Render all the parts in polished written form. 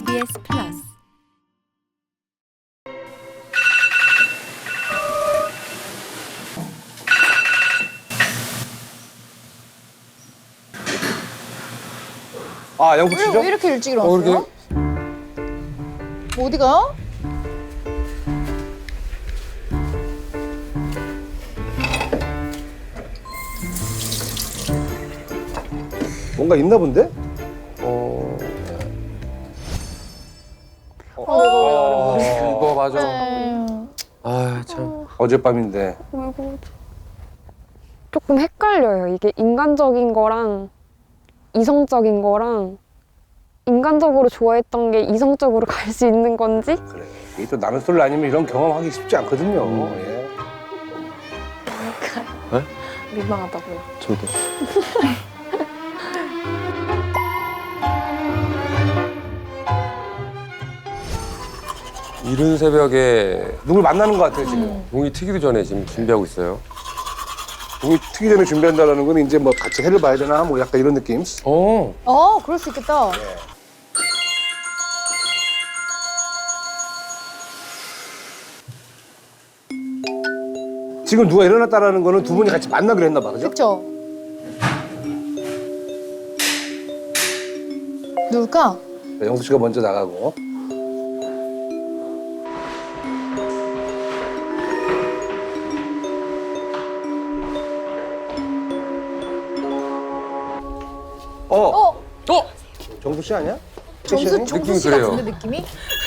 KBS 플러스 아, 영숙 씨죠? 왜 이렇게 일찍 일어났어요? 어디가? 뭔가 있나 본데? 그거 맞아. 네. 아, 참. 어젯밤인데. 조금 헷갈려요. 이게 인간적인 거랑 이성적인 거랑 인간적으로 좋아했던 게 이성적으로 갈 수 있는 건지? 그래. 이게 또 남의 솔로 아니면 이런 경험하기 쉽지 않거든요. 예. 민망하다고요. 저도. 이른 새벽에 누굴 만나는 것 같아요, 지금. 공이 트기도 전에 지금 준비하고 있어요. 공이 트기 전에 준비한다는 건 이제 뭐 같이 해를 봐야 되나? 뭐 약간 이런 느낌? 그럴 수 있겠다. 지금 누가 일어났다라는 거는 두 분이 같이 만나기로 했나 봐, 그죠? 그쵸? 누굴까? 네, 영숙 씨가 먼저 나가고. 어? 정숙 씨 아니야? 정수 느낌이 씨 그래요. 같은데 느낌이?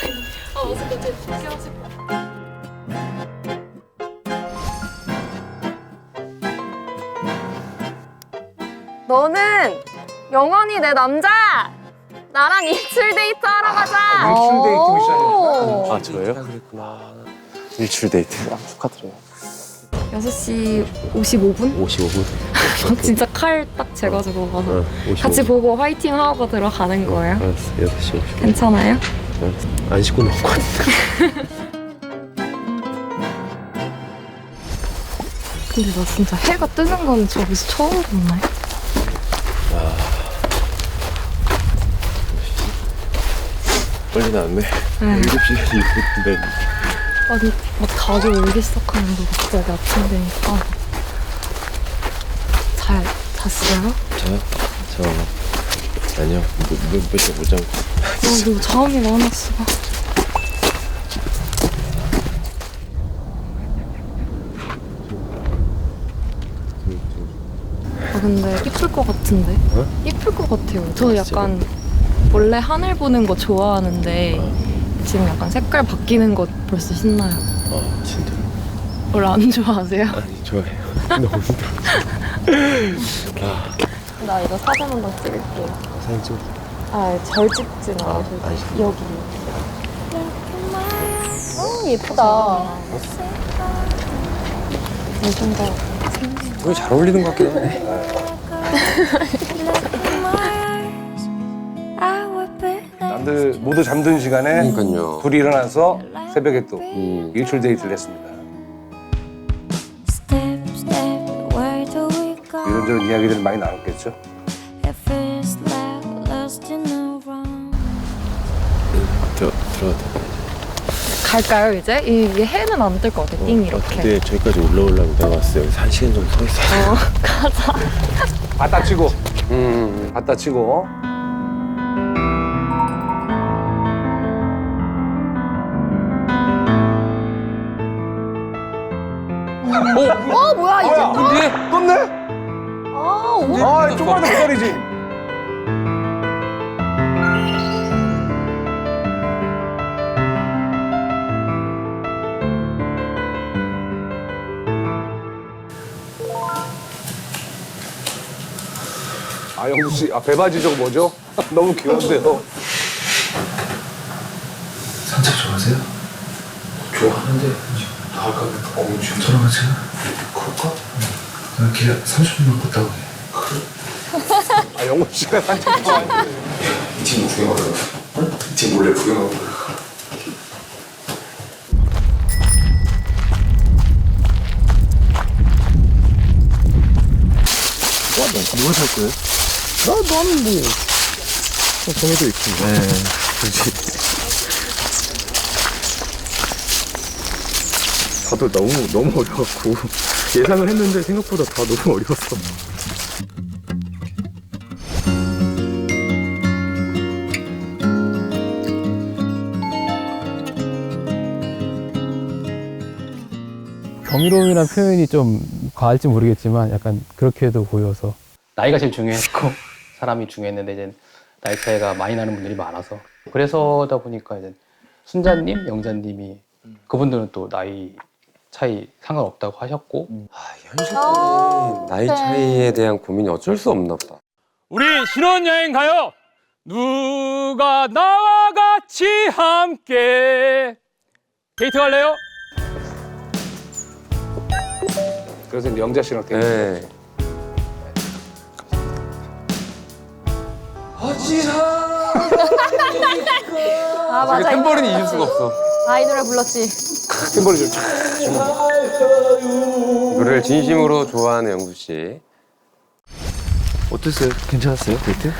너는 영원히 내 남자! 나랑 일출 데이트 하러 가자! 일출 데이트 미션이었구나. 아, 저예요? 그랬구나. 일출 데이트. 축하드려요. 6시 55분? 55분? 진짜 칼 딱 재가지고 가서 55분. 같이 보고 화이팅 하고 들어가는 거예요? 알았어, 6시 50분. 괜찮아요? 안 씻고 나올 것 같은데. 근데 나 진짜 해가 뜨는 건 저기서 처음 봤네. 빨리 나왔네. 7시 2분인데. 아니 막 다들 울기 시작하는 거 갑자기 아침되니까. 잘 잤어요? 저 아니요. 몇시못 잠고. 너 잠이 많았어. 근데 이쁠 것 같은데? 어? 이쁠 것 같아요. 저 약간 원래 하늘 보는 거 좋아하는데 지금 약간 색깔 바뀌는 거 벌써 신나요. 진짜. 원래 안 좋아하세요? 아니, 좋아해요. 너무 힘들어. 나 이거 사진 한 번 찍을게요. 사진 찍어. 잘 찍진 않아서 여기. 예쁘다. 좀 더. 되게 잘 어울리는 것 같긴 해. 남들 모두 잠든 시간에 그러니까요. 둘이 일어나서 새벽에 또 음. 일출 데이트를 했습니다. 이런저런 이야기들을 많이 나눴겠죠? 들어갔다. 갈까요 이제? 이게 해는 안 뜰 것 같아. 띵 이렇게. 근데 저기까지 올라오려면 내가 봤을 때 여기서 1시간 정도 서 있어요. 가자. 바다 치고. 바다 치고. 뭐야 이제? 떴네? 아, 조금만 더 기다리지. 아, 영숙 씨, 배바지 저거 뭐죠? 너무 귀여운데요. 산책 좋아하세요? 좋아하는데 나갈까? 지금 돌아가세요? 그럴까? 나 길 30분만 걷다 오게. 아, 영숙 씨가 산책 좋아하는데. 이 친구 구경하러 가. 응? 이 친구 몰래 구경하러 가. 누가 살 거예요? 나는 뭐. 정해져 있고. 네. 그렇지. 다들 너무 어려웠고 예상을 했는데 생각보다 다 너무 어려웠어. 경이로움이란 표현이 좀 과할지 모르겠지만 약간 그렇게도 보여서 나이가 제일 중요했고 사람이 중요했는데 이제 나이 차이가 많이 나는 분들이 많아서 그래서다 보니까 이제 순자님, 영자님이 그분들은 또 나이 차이 상관없다고 하셨고 현실적인 나이 네. 차이에 대한 고민이 어쩔 수 없나 보다. 우리 신혼여행 가요. 누가 나와 같이 함께 데이트 갈래요? 그래서 이제 영자 씨랑 되게 네. 아 맞아. 탬버린이 잊을 수가 없어. 아, 이 노래 불렀지. 템버리 좀 촥. 노래를 진심으로 좋아하는 영수 씨. 어땠어요? 괜찮았어요 데이트?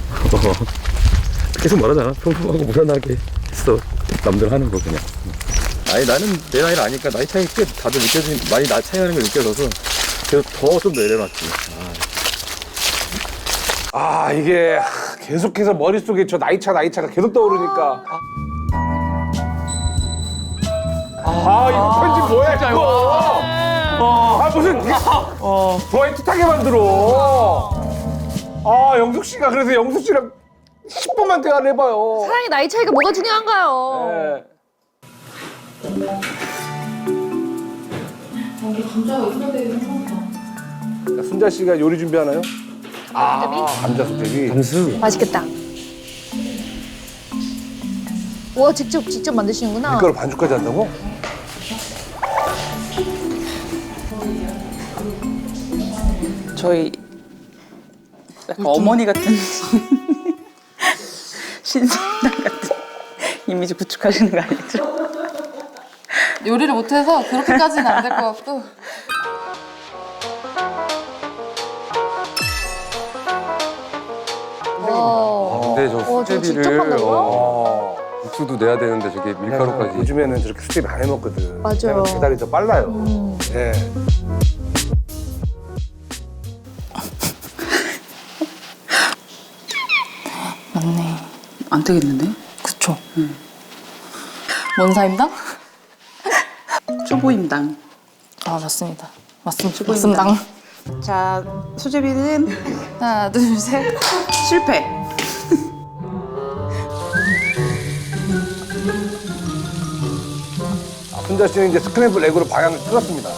계속 말하잖아. 평범하고 무난하게 했어. 남들 하는 거 그냥. 아니 나는 내 나이를 아니까 나이 차이 꽤 다들 많이 나이 차이 나는 게 느껴져서 그래서 더 좀 내려놨지. 아 이게 계속해서 머릿속에 저 나이차가 계속 떠오르니까 이거 편집 뭐야 이거 무슨 더 애틋하게 만들어 영숙 씨가 그래서 영숙 씨랑 10분만 대화를 해봐요. 사랑의 나이 차이가 뭐가 중요한가요? 네. 순자 씨가 요리 준비하나요? 감자 수제비. 감수. 맛있겠다. 와, 직접 만드시는구나. 밀가루 반죽까지 한다고? 저희 약간 어머니 같은 신선당 같은 이미지 구축하시는 거 아니죠? 요리를 못해서 그렇게까지는 안 될 것 같고. 근데 저 저 직접 수제비를 한다고요? 국수도 내야 되는데 저게 밀가루까지. 요즘에는 저렇게 수제비 안 해먹거든. 맞아요. 배달이 더 빨라요. 네. 맞네. 안 되겠는데? 그쵸. 원사임당? 초보임당. 아 맞습니다. 맞습니다. 초보임당. 맞습니다. 자, 수제비는 하나 둘 셋. 실패. 순자 씨는 이제 스크램블 에그로 방향을 틀었습니다.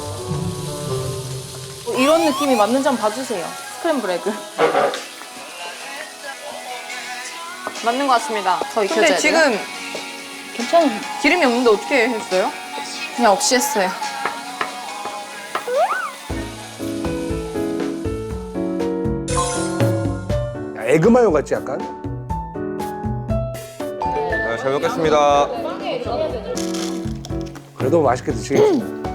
이런 느낌이 맞는지 한번 봐주세요. 스크램블 에그. 맞는 것 같습니다. 더 익혀줘야 근데 돼요? 지금 괜찮아요. 기름이 없는데 어떻게 했어요? 그냥 없이 했어요. 에그 마요 같지 약간? 잘 먹겠습니다. 그래도 맛있게 드시겠습니다.